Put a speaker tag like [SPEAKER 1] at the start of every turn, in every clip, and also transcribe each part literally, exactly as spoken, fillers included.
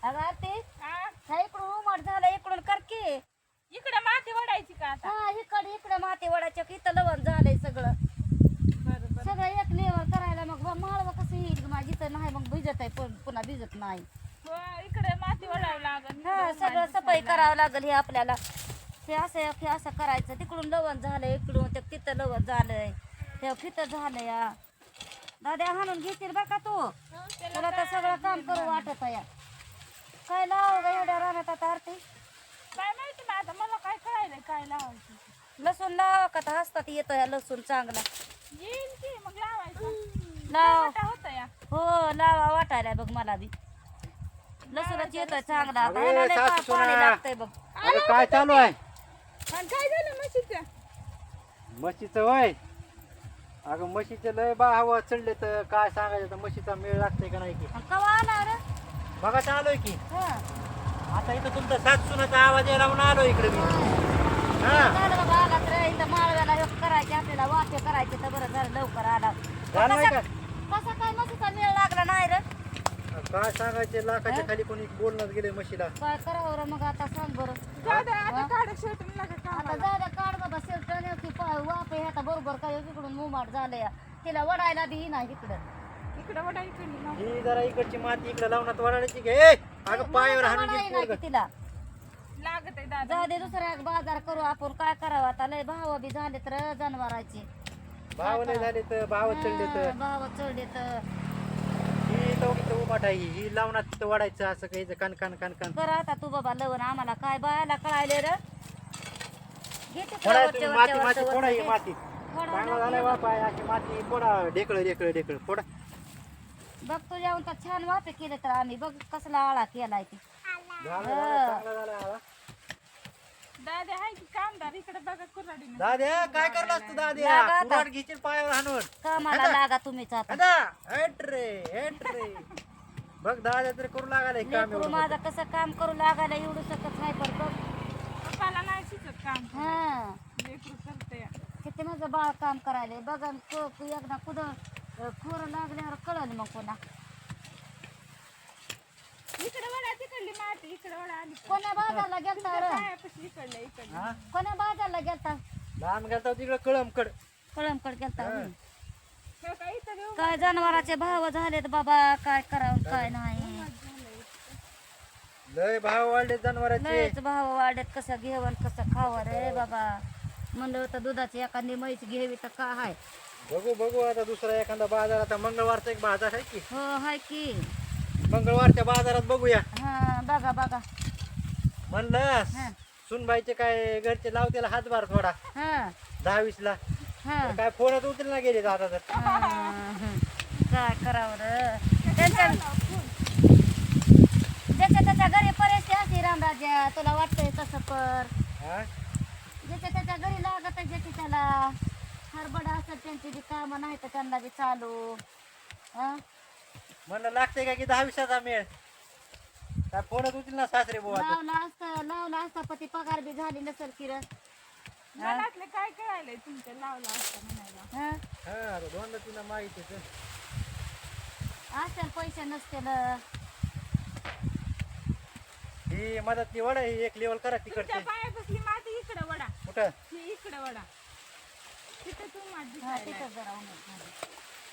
[SPEAKER 1] अगं ते
[SPEAKER 2] हा
[SPEAKER 1] हा इकडून उमट झालं इकडून कर की.
[SPEAKER 2] इकडे माती वडायची का आता
[SPEAKER 1] हा इकडे इकडे माती वडाच्या इथं लवण झालंय सगळं
[SPEAKER 2] बरं बरं
[SPEAKER 1] सगळं एक लेवल करायला मग माळव कसं येईल माझी तर नाही मग भिजत आहे पण पुन्हा भिजत नाही.
[SPEAKER 2] हो इकडे माती वडावं लागल
[SPEAKER 1] हा सगळं सफाई करावं लागेल हे आपल्याला. हे असं हे असं करायचं तिकडून लवण झालंय इकडून ते तिथं लवण झालंय ते फिथं झालंय या दाद्या हाणून घेतील बरं का तू तुला तर सगळं काम करू वाटत आहे. काय लाव ग एवढ्या रानात आता आरती
[SPEAKER 2] काय माहिती ना आता मला काय कळायलंय काय लावायचं
[SPEAKER 1] लसूण लावा का तर हसतात येतो या लसूण चांगला
[SPEAKER 2] येईल की मग लावायचं
[SPEAKER 1] लाव
[SPEAKER 2] होत या
[SPEAKER 1] हो लावा वाटायला बघ मला बी लसूणच येतोय चांगला आता
[SPEAKER 3] अरे,
[SPEAKER 1] ह्याला लय
[SPEAKER 3] सासू
[SPEAKER 1] पा-
[SPEAKER 3] सुना.
[SPEAKER 1] पाणी लागतंय बघ.
[SPEAKER 3] अगं काय चालू आहे
[SPEAKER 2] आणि काय झालं म्हशीचं
[SPEAKER 3] म्हशीचं वय अगं म्हशीचं लय बा हवा चढले तर काय सांगायचं तर म्हशीचा मेळ लागतंय का नाही की
[SPEAKER 1] आणि कवा आला रे
[SPEAKER 3] बघा चालूय की
[SPEAKER 1] हा
[SPEAKER 3] आता इथं तुमचा सात सुनाचा आवाज यायला म्हणून आलो इकडे मी हा
[SPEAKER 1] झालं बाबा आला तर इथं माळव्याला हे करायचे आपल्याला वाटे करायचे तर बरं झालं लवकर आला
[SPEAKER 3] झालं नाही का
[SPEAKER 1] कसा काय मशीचा मेळ लागला नाही रे
[SPEAKER 3] काय सांगायचे लाखाच्या खाली कोणी बोलणं गेले म्हशीला
[SPEAKER 1] काय करावं रे मग आता सांग बरं
[SPEAKER 2] जाऊ दे आता काढ शेवटून नका
[SPEAKER 1] आता
[SPEAKER 2] कामाला
[SPEAKER 1] जाऊ द्या काढ बाबा शेवटं की वापे ह्याचा बरोबर काय इकडून मुमाट झालंय तिला वडायला बी नाही इकडं
[SPEAKER 2] इकडे वडा इकडे लाव.
[SPEAKER 3] ही जरा इकडची माती इकडे लावण्यात वराडायची घे ए, अगं पायावर हाणून
[SPEAKER 1] वडायला
[SPEAKER 3] गेली
[SPEAKER 1] नाही
[SPEAKER 3] पोरगं.
[SPEAKER 1] की तिला
[SPEAKER 2] लागत आहे दादा
[SPEAKER 1] जाऊ दे दुसऱ्या बाजार करू आपण काय करावं आता लय भाव बी झाले तर जनावरांचे
[SPEAKER 3] भाव नाही झाले तर भाव चढले तर
[SPEAKER 1] भाव चढले तर
[SPEAKER 3] ही इथं उभाट आहे ही ही लावण्यात तिथं वाढायचं असं काही कण कण कण कण
[SPEAKER 1] कर आता तू बाबा लवण आम्हाला काय बायाला कळायले रे घेते
[SPEAKER 3] फोडा
[SPEAKER 1] वरच्या
[SPEAKER 3] तुम्ही
[SPEAKER 1] वरच्या
[SPEAKER 3] माती माती
[SPEAKER 1] वरच्या
[SPEAKER 3] फोडा ही
[SPEAKER 1] वरच्या
[SPEAKER 3] माती
[SPEAKER 1] फोडा
[SPEAKER 3] चांगला झालाय बापा अशी माती फोडा ढेकळ ढेकळ ढेकळ फोडा
[SPEAKER 1] बघ तू जेवण तर छान वापे केले तर आम्ही बघ कसला आळा केलाय ते
[SPEAKER 3] झालं झालं, चांगला झाला आला.
[SPEAKER 2] दादा आहे की कामदार इकडे बघा कुऱ्हाडीने
[SPEAKER 3] दाद्या काय करलास तू दाद्या
[SPEAKER 1] लागा आता.
[SPEAKER 3] कुऱ्हाड घ्यायची पायावर हाणून
[SPEAKER 1] कामाला लागा तुम्हीच आता
[SPEAKER 3] दादा हेट रे हेट रे बघ दाद्या तरी करू लागायला काम
[SPEAKER 1] लेकरू
[SPEAKER 3] एवढं
[SPEAKER 1] माझं कसं काम करू लागायला एवढं सकत नाही पण बघ
[SPEAKER 2] पप्पाला नाही शिकत काम
[SPEAKER 1] हा
[SPEAKER 2] लेकरू करते
[SPEAKER 1] किती माझं बाळ काम करायला बघा न को- को- एकदा कुठं खोरं लागल्यावर कळलं मग कोणा
[SPEAKER 2] इकडे वडा तिकडली माती इकडे वडा आली
[SPEAKER 1] कोण्या बाजारला गेलता रे
[SPEAKER 2] पायापाशी इकडलं इकडलं
[SPEAKER 3] हा
[SPEAKER 1] कोण्या बाजारला गेलता
[SPEAKER 3] लहान गेलता तिकडे कळमकड
[SPEAKER 1] कळमकड गेलता होय.
[SPEAKER 2] हे काय इथं येऊ
[SPEAKER 1] काय जनावराचे भाव झालेत बाबा काय करावं काय नाही
[SPEAKER 3] लय भाव वाढले जनावरांचे
[SPEAKER 1] लयच भाव वाढत कसं घेवन कसं खावं रे बाबा म्हणलं होतं दुधाची एखादी म्हैस घ्यावी तर का हाय
[SPEAKER 3] बघू बघू आता दुसरा एखादा बाजार आता मंगळवारचा एक बाजार आहे की
[SPEAKER 1] हो हाय की
[SPEAKER 3] मंगळवारच्या बाजारात बघूया
[SPEAKER 1] हा बघा बघा
[SPEAKER 3] म्हणलं
[SPEAKER 1] हा
[SPEAKER 3] सुनबाईचे काय घरचे लावतेला हातभार थोडा
[SPEAKER 1] हा
[SPEAKER 3] दहा वीस ला
[SPEAKER 1] हा
[SPEAKER 3] काय फोनच उचल ना गेले आता तर
[SPEAKER 1] हा. काय करावं रे त्यांच्या ज्याच्या त्याच्या घरी परिस्थिती असते रामराजा तुला वाटतंय तसं कर
[SPEAKER 3] हा?
[SPEAKER 1] ज्याच्या त्याच्या घरी लागत आहे ज्याची त्याला हरबड असत त्यांची बी कामं नाही तर त्यांना बी चालू हा
[SPEAKER 3] म्हणलं लागते का की दहा वीसाचा मेळ काय फोनच उचल ना सासरे बुवा आता.
[SPEAKER 1] लावला असता लावला असता पती पगार बी झाली नसेल किरण
[SPEAKER 2] मनातले काय कळायलंय तुमच्या लावला असता म्हणायला
[SPEAKER 1] हा
[SPEAKER 3] हा आता दोनदा तिला माहिती
[SPEAKER 1] असेल पैसे नसतील
[SPEAKER 3] ही मदत वडा ही एक लेवल करा
[SPEAKER 2] तुमच्या
[SPEAKER 3] तिकडचे
[SPEAKER 2] पायापासली माती इकडे वडा
[SPEAKER 3] कुठं
[SPEAKER 2] ही इकडे वडा तिथं तू माती
[SPEAKER 1] हा
[SPEAKER 2] दिसायला
[SPEAKER 1] तिथं जरा उन्हात झालं.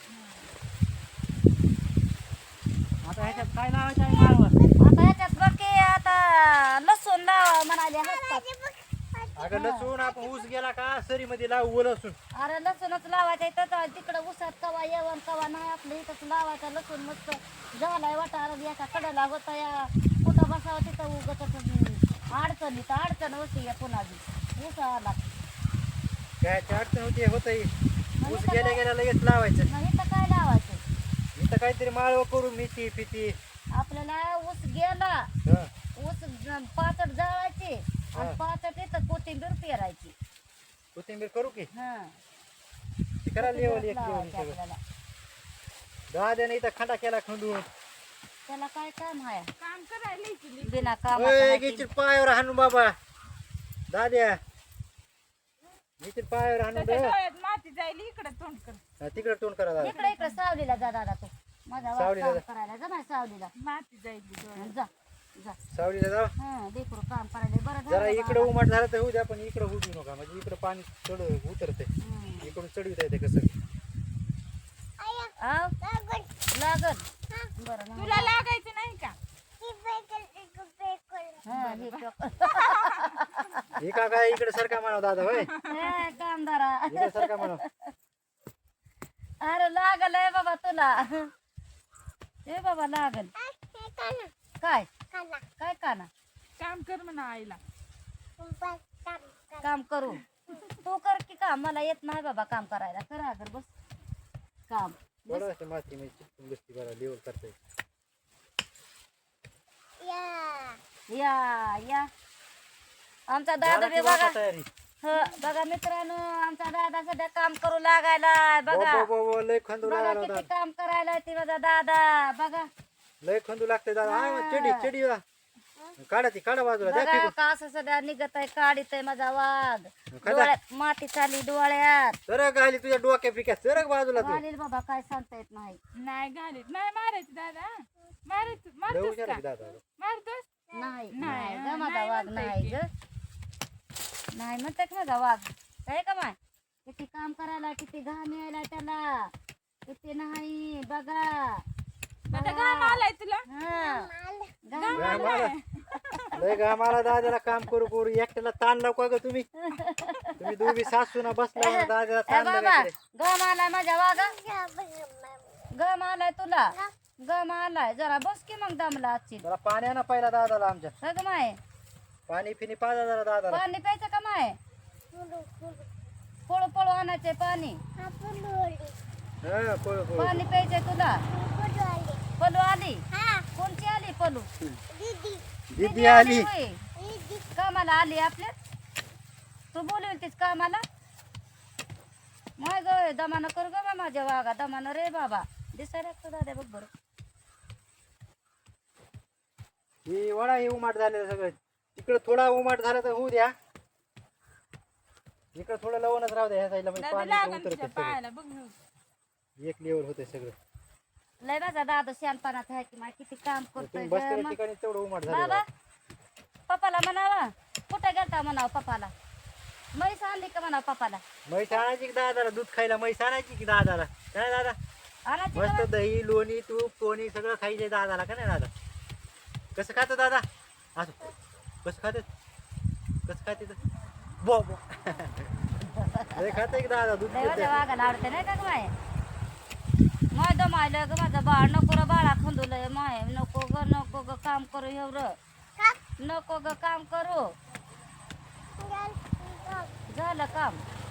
[SPEAKER 3] आता ह्याच्यात काय लावायचं आहे माळवर
[SPEAKER 1] आता ह्याच्यात बघ की आता लसूण लावा म्हणाले हसतात
[SPEAKER 3] अगं लसूण आपण ऊस गेला का सरी मध्ये लावू लसूण
[SPEAKER 1] अरे लसूणच लावायचं तर तिकडं उसात कवा येवन कवा नाही आपलं इथंच लावायचा लसूण मस्त झालाय वाटा याच्या कडेला होता या कुठं बसावं तिथं उगत अडचण इथं अडचण होती या पुन्हा बी ऊस आला
[SPEAKER 3] काय अडचण होती होत ऊस गेल्या गेल्या लगेच लावायचं
[SPEAKER 1] मग इथं काय लावायचं
[SPEAKER 3] इथं काहीतरी माळव करू मेथी पिती
[SPEAKER 1] आपल्याला ऊस गेला
[SPEAKER 3] हा
[SPEAKER 1] ऊस ज- पाचट जाळायची आणि पाचट इथं कोथिंबीर पेरायची
[SPEAKER 3] कोथिंबीर करू की
[SPEAKER 1] हा
[SPEAKER 3] ती करा लेवल एक लेवल
[SPEAKER 1] लावायची
[SPEAKER 3] सगळं
[SPEAKER 1] आपल्याला
[SPEAKER 3] दाद्याने इथं खंडा केला खंडून
[SPEAKER 1] त्याला काय काम आहे
[SPEAKER 2] काम करायला इकडे
[SPEAKER 1] बिना
[SPEAKER 3] ओय,
[SPEAKER 1] कामाचं
[SPEAKER 3] घेशील पायावर हाणू बाबा दाद्या घेशील पायावर हाणून
[SPEAKER 2] त्याच्या
[SPEAKER 3] दे.
[SPEAKER 2] डोळ्यात माती जाईल इकडे तोंड कर
[SPEAKER 3] हा, तिकडे तोंड करा दादा
[SPEAKER 1] इकडे इकडे सावलीला जा दादा तू माझा वाट
[SPEAKER 3] सावलीला
[SPEAKER 1] काम
[SPEAKER 3] जा.
[SPEAKER 1] करायला जा माझ्या सावलीला
[SPEAKER 2] माती जाईल डोळ्यात
[SPEAKER 1] जा जा
[SPEAKER 3] सावलीला जाऊ
[SPEAKER 1] हा लेकरू काम करायला बरं
[SPEAKER 3] जरा
[SPEAKER 1] झालं
[SPEAKER 3] इकडं
[SPEAKER 1] बाबा.
[SPEAKER 3] उमाट झालं तर होऊ द्या पण इकडं होऊ देऊ नका म्हणजे इकडं पाणी चढ उतरते
[SPEAKER 1] हम्म.
[SPEAKER 3] इकडून चढविता येते कसं
[SPEAKER 1] आव? लागल बरं ना.
[SPEAKER 2] तुला लागायचं नाही का
[SPEAKER 1] हा, हे टोक.
[SPEAKER 3] हे का काय इकडे सरका म्हणाव दादा होय
[SPEAKER 1] हे कामदारा
[SPEAKER 3] इकडे सरका म्हणाव
[SPEAKER 1] अरे लागल आहे बाबा तुला हे बाबा लागल काय काय काना
[SPEAKER 2] काम कर म्हणा आईला
[SPEAKER 1] काम करू तू कर की काम मला येत नाही बाबा काम करायला करा अगर बस काम
[SPEAKER 3] बरं असते माती मी चिपकून बसती बरं लेवल करता येईल
[SPEAKER 1] या या आमचा दादा
[SPEAKER 3] झाला
[SPEAKER 1] बी
[SPEAKER 3] की
[SPEAKER 1] बघा
[SPEAKER 3] वाटा तयारी
[SPEAKER 1] ह बघा मित्रांनो आमचा दादा सध्या काम करू लागायला बघा
[SPEAKER 3] बो, बो, बो, लय खंदू
[SPEAKER 1] बघा
[SPEAKER 3] लागला
[SPEAKER 1] किती
[SPEAKER 3] दादा
[SPEAKER 1] काम करायला ती माझा दादा बघा
[SPEAKER 3] लय खंदू लागते दादा हा चेडी चेडी वा. काढा ती काढा बाजूला द्या
[SPEAKER 1] बघा
[SPEAKER 3] फेकून.
[SPEAKER 1] का असं सध्या निघत आहे काढीत आहे माझा वाघ
[SPEAKER 3] खदा.
[SPEAKER 1] डोळ्यात माती चाली डोळ्यात
[SPEAKER 3] सरक आली तुझ्या डोक्या पिक्यात सरक बाजूला तू
[SPEAKER 1] चालेल बाबा काय सांगता येत नाही
[SPEAKER 2] नाही घालीत नाही मारायचं दादा मारायचं
[SPEAKER 3] लय
[SPEAKER 2] मारतोस
[SPEAKER 3] हुशार
[SPEAKER 2] का
[SPEAKER 3] आहे दादा
[SPEAKER 2] मारतोस
[SPEAKER 1] नाही
[SPEAKER 2] नाही,
[SPEAKER 1] नाही ग
[SPEAKER 2] हा,
[SPEAKER 1] माझा
[SPEAKER 2] नाही
[SPEAKER 1] वाघ
[SPEAKER 2] म्हणता
[SPEAKER 1] नाही
[SPEAKER 2] येते.
[SPEAKER 1] ग नाही म्हणते का माझा वाघ काय का माय किती काम करायला किती घाम यायला त्याला किती नाही बघा
[SPEAKER 2] आता घाम आलाय तुला
[SPEAKER 1] हा घाम
[SPEAKER 3] घाम आला. लय घाम आला दादाला काम करू करू एकट्याला ताण लावू का ग तुम्ही तुम्ही दोघी सासू ना बसला ना दादाला
[SPEAKER 1] ए
[SPEAKER 3] ताण
[SPEAKER 1] बाबा
[SPEAKER 3] लागायचे.
[SPEAKER 1] गम आलाय माझ्या वाघा गम आलाय तुला गम आलाय जरा बस की मग दमला आजची
[SPEAKER 3] जरा पाणी ना पहिला दादाला आमच्या
[SPEAKER 1] सग माय
[SPEAKER 3] पाणी फिनी पाजा जरा दादाला
[SPEAKER 1] पाणी प्यायचं का माय पळू पळू आणायचे पाणी
[SPEAKER 3] हा पळू पळू
[SPEAKER 1] पाणी प्यायचंय तुला पलू आली कोणची आली पलू
[SPEAKER 3] दीदी आली
[SPEAKER 1] होय. कामाला आली आपल्या तू बोलवतीस कामाला माय ग दमानं कर ग बा माझ्या वागा दमानं रे बाबा दिसायला लागतो दादा बघ बरं
[SPEAKER 3] ही वडा हे उमाट झालेलं सगळं तिकडं थोडा उमाट झाला तर होऊ द्या इकडं थोडं लवणच राहू द्या ह्या साईडला म्हणजे
[SPEAKER 2] दादा
[SPEAKER 3] पाणी
[SPEAKER 2] लागन
[SPEAKER 3] उतरते
[SPEAKER 2] तुझ्या
[SPEAKER 3] सगळं
[SPEAKER 2] पायाला बघ ना.
[SPEAKER 3] एक लेवल होते सगळं
[SPEAKER 1] लय माझा दादा शहाणपणात आहे की माय किती काम करतोय
[SPEAKER 3] तुम्ही
[SPEAKER 1] ग.
[SPEAKER 3] बसलेल्या
[SPEAKER 1] मग
[SPEAKER 3] ठिकाणी तेवढं उमाट
[SPEAKER 1] बाबा
[SPEAKER 3] झालं
[SPEAKER 1] पप्पाला म्हणावा कुठे गेलता म्हणावं पप्पाला म्हैस आणली का म्हणावं पप्पाला
[SPEAKER 3] म्हैस आणायची की दादाला दूध खायला म्हैस आणायची की दादाला काय दादा
[SPEAKER 1] आणायची
[SPEAKER 3] मस्त
[SPEAKER 1] का
[SPEAKER 3] दही लोणी तूप कोणी सगळं खायचे दादाला का नाही दादा कसं खातं दादा असं कसं खाते कसं खाते बो बो लय खाते की दादा दूध
[SPEAKER 1] लय
[SPEAKER 3] पितं.
[SPEAKER 1] माझ्या वागायला आवडते नाही का ग माय माय दमायलं ग माझं बाळ नको र बाळा खंदुलय माय नको ग नको ग काम करू एवढं नको ग काम करू झालं काम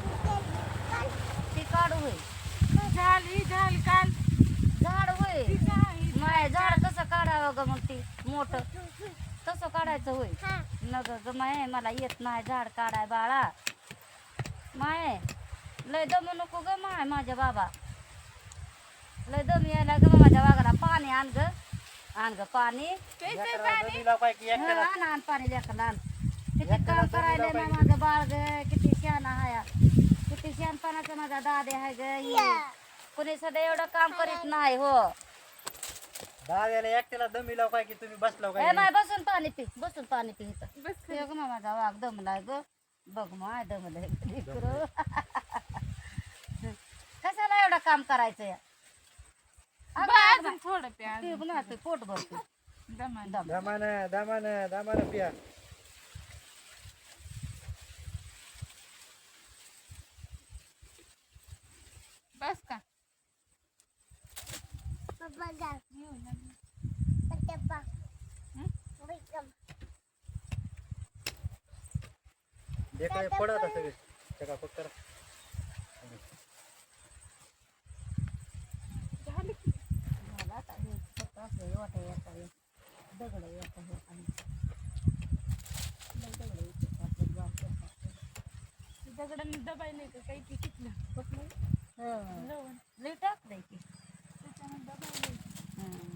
[SPEAKER 1] ती काढू होय
[SPEAKER 2] झाल ही झाल काल
[SPEAKER 1] झाड होय
[SPEAKER 2] ती झाल, ही
[SPEAKER 1] माय झाड कसं काढावं ग मग ती मोठं तसं काढायचं होय नग ग माय मला येत नाही झाड काढाय बाळा माय लय दमू नको ग माय माझ्या बाबा लय दम यायला ग माझ्या वाघाला पाणी आण ग आण ग पाणी
[SPEAKER 2] प्यायचंय
[SPEAKER 3] लेकराला
[SPEAKER 2] पाणी
[SPEAKER 3] दिला पाहिजे की
[SPEAKER 1] हा,
[SPEAKER 3] एकट्याला.
[SPEAKER 1] आण आण पाणी लेकरला आण किती
[SPEAKER 3] लेकराला
[SPEAKER 1] काम
[SPEAKER 3] तर
[SPEAKER 1] करायला
[SPEAKER 3] दिलं
[SPEAKER 1] ना
[SPEAKER 3] पाहिजे.
[SPEAKER 1] माझं बाळ ग किती शहाणा हाया किती शहाणपणाचा माझा दादे आहे ग ही. कुणी सध्या एवढं काम करीत नाही हो
[SPEAKER 3] दादाला एकट्याला दमी लाव काय की तुम्ही बसलाव
[SPEAKER 1] ए
[SPEAKER 3] काय
[SPEAKER 1] माय बसून पाणी पी बसून पाणी पी इथं
[SPEAKER 2] बस
[SPEAKER 1] ते ग मा माझा वाघ दमलाय ग बघ माय दमलाय लेकरं. कशाला एवढं काम करायचं या अगं,
[SPEAKER 2] बा,
[SPEAKER 1] अगं,
[SPEAKER 2] अजून थोडं प्या
[SPEAKER 1] पी ना ते पोट भरतो
[SPEAKER 2] दमान
[SPEAKER 1] दम
[SPEAKER 3] दामानं दामानं दामानं पिया
[SPEAKER 2] बस का
[SPEAKER 3] ढेकळे पडत सगळे चकापक करा
[SPEAKER 2] झालं की
[SPEAKER 1] मला आता हे फक्त असं वाटा येता हे दगड येता हे आणि लय दगड येतात आपल्या गावात.
[SPEAKER 2] दगडांनी दबायला का काही की कितलं
[SPEAKER 1] कुठलं? हं.
[SPEAKER 2] लवण
[SPEAKER 1] लय टाकलंय की
[SPEAKER 2] त्याच्यानं दबायला
[SPEAKER 1] हं.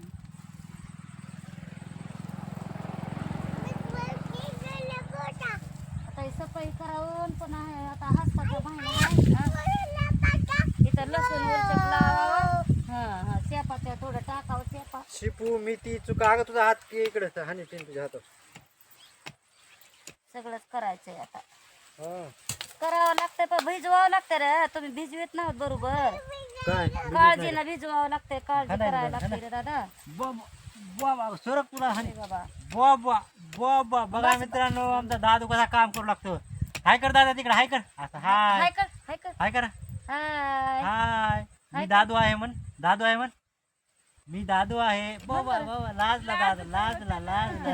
[SPEAKER 1] आता हे सफाई करावं पण आहे आता हसताचा महिना आहे इथं लसूण उलचक लावावं हा हा शेपाच्या थोडं टाकावं शेपा
[SPEAKER 3] शिप लिंबू मेथी चुका अगं तुझा हात इकडे हानी तुझ्या हात
[SPEAKER 1] सगळंच करायचंय आता
[SPEAKER 3] हा
[SPEAKER 1] करावं लागतंय पण भिजवावं लागतं रे तुम्ही भिजवीत नाहीत बरोबर
[SPEAKER 3] काय
[SPEAKER 1] काळजीनं भिजवावं लागतंय काळजी
[SPEAKER 3] हा नाही,
[SPEAKER 1] करायला
[SPEAKER 3] हा
[SPEAKER 1] लागते रे दादा
[SPEAKER 3] बाबा सरक तुला हानी
[SPEAKER 1] अरे बाबा
[SPEAKER 3] बाबा बाबा बघा मित्रांनो आमचा दादू कसा काम करू लागतो हाय कर दादा तिकडे हाय कर असं हाय
[SPEAKER 1] हाय कर हाय कर
[SPEAKER 3] हाय कर
[SPEAKER 1] हाय
[SPEAKER 3] हाय मी दादू आहे म्हण दादू आहे म्हण मी दादू आहे बाबा बाबा लाजला दादा लाजला लाजला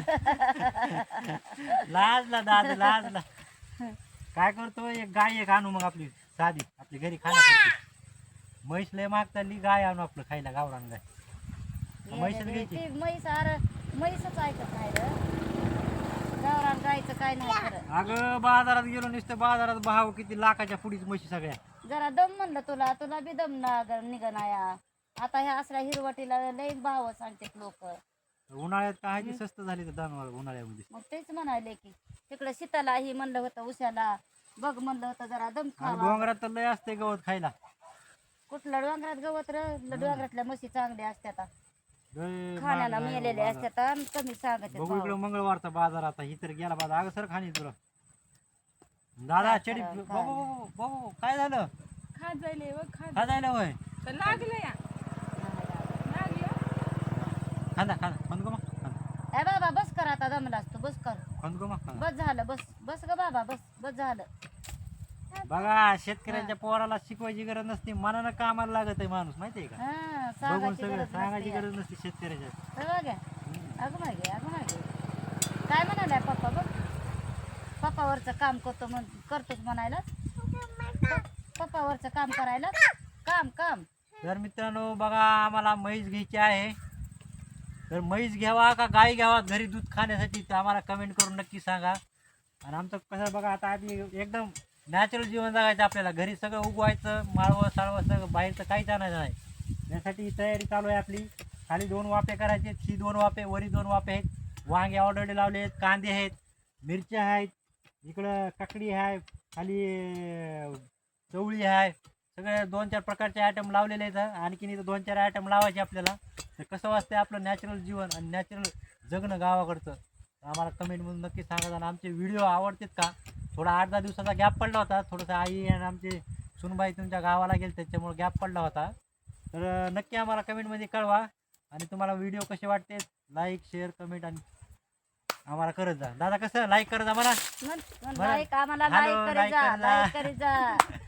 [SPEAKER 3] लाजला दादा लाजला काय करतो एक गाय एक आणू मग आपली साधी आपली घरी खाण्यासाठी म्हैस लय माग चालली गाय आणू आपलं खायला गावरान गाय म्हैसच घ्यायची
[SPEAKER 1] ती म्हैस अरे म्हैसच ऐकत नाही रे गावरान गायचं काय नाही खरं
[SPEAKER 3] अगं बाजारात गेलो नुसतं बाजारात भाव किती लाखाच्या पुढीच म्हशी सगळ्या
[SPEAKER 1] जरा दम म्हणलं तुला तुला बी दम ना निघणाया आता ह्या असल्या हिरवटीला लई भाव सांगतात लोक
[SPEAKER 3] उन्हाळ्यात काय ती स्वस्त झाली तर दानवाळ उन्हाळ्यामध्ये
[SPEAKER 1] मग तेच म्हणाले की तिकडे शीताला ही म्हणलं होतं उशाला बघ म्हणलं होतं जरा दम
[SPEAKER 3] आणि
[SPEAKER 1] खावा
[SPEAKER 3] डोंगरात तर लय असते गवत खायला
[SPEAKER 1] कुठलं डोंगरात गवत र डोंगरातल्या म्हशी चांगल्या असतात
[SPEAKER 3] लय
[SPEAKER 1] खाण्याला
[SPEAKER 3] महाग आहे
[SPEAKER 1] मेलेले
[SPEAKER 3] बाजार.
[SPEAKER 1] असतात आणि कमी सांगत
[SPEAKER 3] बघू इकडे मंगळवारचा बाजार आता ही तर गेला बाजार अगं सर खाणी तुला दादा
[SPEAKER 1] काय
[SPEAKER 3] चडी
[SPEAKER 1] करावं,
[SPEAKER 3] बाबू बाबू बाबू काय झालं
[SPEAKER 2] खात जायले व खात
[SPEAKER 3] खा जायला होय
[SPEAKER 2] तर लागलं या लागलं
[SPEAKER 3] खांदा खांदा खंद गो मग खांदा
[SPEAKER 1] ए बाबा बस कर आता दमला असतो बस कर
[SPEAKER 3] खंद गो मग खांदा
[SPEAKER 1] बस झालं बस बस ग बाबा बस बस झालं
[SPEAKER 3] बघा शेतकऱ्यांच्या पोराला शिकवायची गरज नसते मनानं कामाला लागत आहे माणूस माहितीये का
[SPEAKER 1] हा
[SPEAKER 3] बघून
[SPEAKER 1] सांगायची
[SPEAKER 3] सगळं
[SPEAKER 1] गरज
[SPEAKER 3] सांगायची
[SPEAKER 1] नसते.
[SPEAKER 3] गरज नसते शेतकऱ्याच्या
[SPEAKER 1] हे बघ अगं मागे अगं मागे काय म्हणालाय पप्पा बघ पप्पावरचं काम करतो म्हण करतोच म्हणायला पप्पावरचं काम करायला काम काम
[SPEAKER 3] तर मित्रांनो बघा आम्हाला म्हैस घ्यायची आहे तर म्हैस घ्यावा का गाय घ्यावा घरी दूध खाण्यासाठी तर आम्हाला कमेंट करून नक्की सांगा आणि आमचं कसं बघा आता आधी एकदम नॅचरल जीवन जगायचं आपल्याला घरी सगळं उगवायचं माळवं साळवं सगळं बाहेरचं काहीच आणायचं नाही यासाठी तयारी चालू आहे आपली खाली दोन वाफे करायचे ही दोन वाफे वरी दोन वाफे आहेत वांगे ऑर्डर लावले आहेत कांदे आहेत मिरच्या आहेत इकडं काकडी आहे खाली अं, चवळी आहे सगळे दोन चार प्रकारचे आयटम लावलेले आहेत आणखीन इथं दोन चार आयटम लावायचे आपल्याला तर कसं वाटतंय आपलं नॅचरल जीवन आणि नॅचरल जगणं गावाकडचं आम्हाला कमेंटमधून नक्की सांगा आणि आमचे व्हिडिओ आवडतात का थोडा आठ दहा दिवसाचा गॅप पडला होता थोडंसं आई आणि आमचे सुनबाई तुमच्या गावाला गेले त्याच्यामुळे गॅप पडला होता तर नक्की आम्हाला कमेंटमध्ये कळवा आणि तुम्हाला व्हिडिओ कसे वाटते लाईक शेअर कमेंट आणि आम्हाला करत जा दादा कसं लाईक करत जा मला
[SPEAKER 1] म्हण- म्हण
[SPEAKER 3] बरं.
[SPEAKER 1] लाईक आम्हाला
[SPEAKER 3] हॅलो,
[SPEAKER 1] लाईक करी
[SPEAKER 3] लाईक
[SPEAKER 1] जा
[SPEAKER 3] करी जा.
[SPEAKER 1] लाईक करी जा